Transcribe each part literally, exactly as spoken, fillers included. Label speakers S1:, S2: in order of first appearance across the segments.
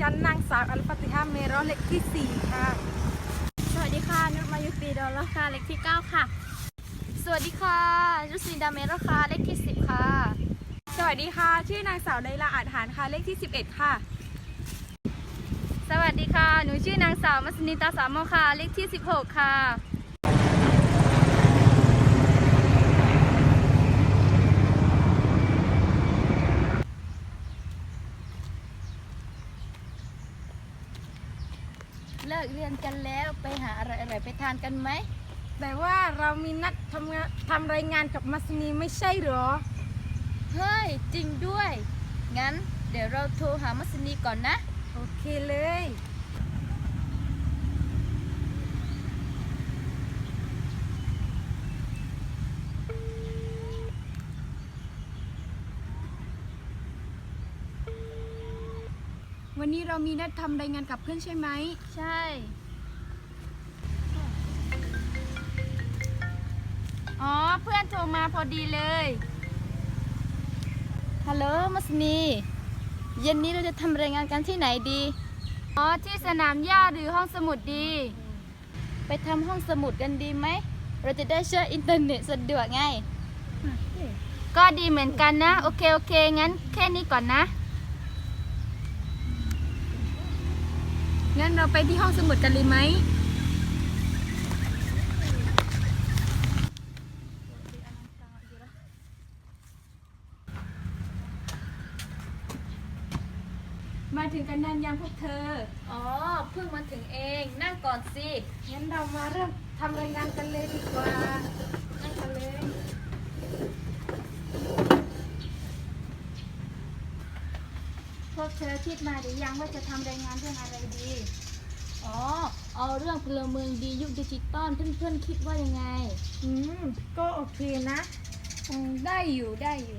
S1: ฉันนางสาวอัลฟาติฮาเมรอเลขที่สี่ค่ะ
S2: สวัสดีค่ะนุชมายุปีดอลราคาเลขที่เก้าค่ะสวัสดีค่ะยุสีดาเมราคาเลขที่สิบค่ะ
S1: สวัสดีค่ะชื่อนางสาวไลลาอาจหารค่ะเลขที่สิบเอ็ดค่ะ
S2: สวัสดีค่ะหนูชื่อนางสาวมัสนิตาสามโมค่ะเลขที่สิบหกค่ะเลิกเรียนกันแล้วไปหาอะไรอร่อยไปทานกันไหม
S1: แต่ว่าเรามีนัดทำงานทำรายงานกับมัสนีไม่ใช่หรอ
S2: เฮ้ยจริงด้วยงั้นเดี๋ยวเราโทรหามัสนีก่อนนะ
S1: โอเคเลยวันนี้เรามีนัดทำรายงานกับเพื่อนใช่ไหม
S2: ใช่อ๋อเพื่อนโทรมาพอดีเลยฮัลโหลมัสนีเย็นนี้เราจะทำรายงานกันที่ไหนดีอ๋อที่สนามหญ้าหรือห้องสมุดดีไปทำห้องสมุดกันดีไหมเราจะได้ใช้อินเทอร์เน็ตสะดวกไงก็ดีเหมือนกันนะโอเคโอเคงั้นแค่นี้ก่อนนะ
S1: งั้นเราไปที่ห้องสมุดกันเลยไหมมาถึงกันนานยังพวกเธอ
S2: อ๋อเพิ่งมาถึงเองนั่งก่อนสิ
S1: งั้นเรามาเริ่มทำรายงานกันเลยดีกว่านั่งกันเลย
S2: พวกเธอคิดมาหรือยังว่าจะทำรายงานเรื่องอะไรดีอ๋อเอาเรื่องพลเมืองดียุคดิจิตอลเพื่อนๆคิดว่ายังไง
S1: อืมก็โอเคนะอืมได้อยู่ได้อยู่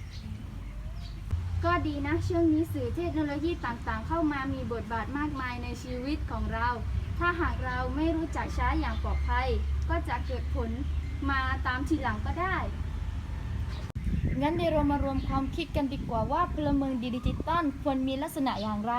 S2: ก็ดีนะช่วงนี้สื่อเทคโนโลยีต่างๆเข้ามามีบทบาทมากมายในชีวิตของเราถ้าหากเราไม่รู้จักใช้อย่างปลอดภัยก็จะเกิดผลมาตามทีหลังก็ได้งั้นเดี๋ยวเรามารวมความคิดกันดีกว่าว่าพลเมืองดีดิจิตอลควรมีลักษณะอย่างไร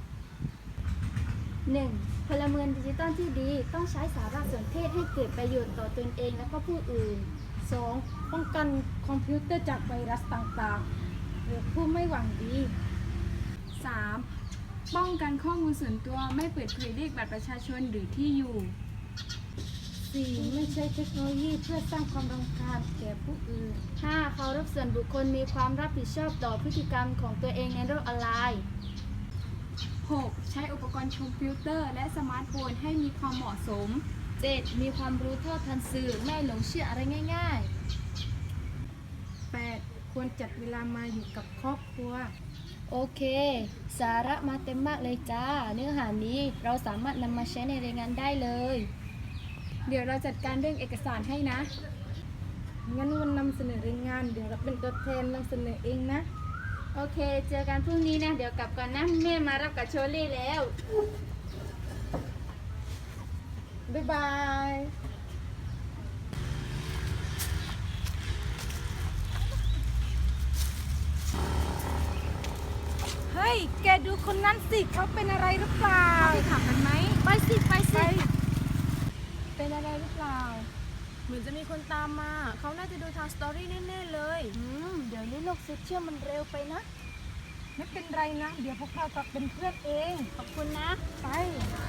S2: หนึ่ง. พลเมืองดิจิตอลที่ดีต้องใช้สารสนเทศให้เกิดประโยชน์ต่อตนเองและก็ผู้อื่น
S1: สอง. ป้องกันคอมพิวเตอร์จากไวรัสต่างๆหรือผู้ไม่หวังดี สาม. ป้องกันข้อมูลส่วนตัวไม่เปิดเผยเลขบัตรประชาชนหรือที่อยู่ สี่. ไม่ใช้เทคโนโลยีเพื่อสร้างความรำคาญแก่ผู้อื่น
S2: ห้า. เคารพส่วนบุคคลมีความรับผิดชอบต่อพฤติกรรมของตัวเองในโลกออนไลน์
S1: หก. ใช้อุปกรณ์คอมพิวเตอร์และสมาร์ทโฟนให้มีความเหมาะสม
S2: เจ็ด. มีความรู้เท่าทันสื่อไม่หลงเชื่ออะไรง่าย
S1: ๆ แปด. ควรจัดเวลามาอยู่กับครอบครัว
S2: โอเคสาระมาเต็มมากเลยจ้าเนื้อหานี้เราสามารถนำมาใช้ในรายงานได้เลย
S1: เดี๋ยวเราจัดการเรื่องเอกสารให้นะงั้นวันนำเสนอรายงานเดี๋ยวเราเป็นตัวแทนนำเสนอเองนะ
S2: โอเคเจอกันพรุ่งนี้นะเดี๋ยวกลับก่อนนะแม่มารับกับโชลี่แล้ว
S1: บ๊ายบายเฮ้ยแกดูคนนั้นสิเขาเป็นอะไรหรือเปล่าไปถามกันไหม
S2: ไปสิไปสิ
S1: เป็นอะไรหรือเปล่า
S3: เหมือนจะมีคนตามมาเขาน่าจะดูทางสตอรี่แน่ๆเลย
S2: อืมเดี๋ยวนี้โลกโซเชียลมันเร็วไปนะ
S1: ไม่เป็นไรนะเดี๋ยวพวกเรากลับเป็นเพื่อนเอง
S2: ขอบคุณนะ
S1: ไป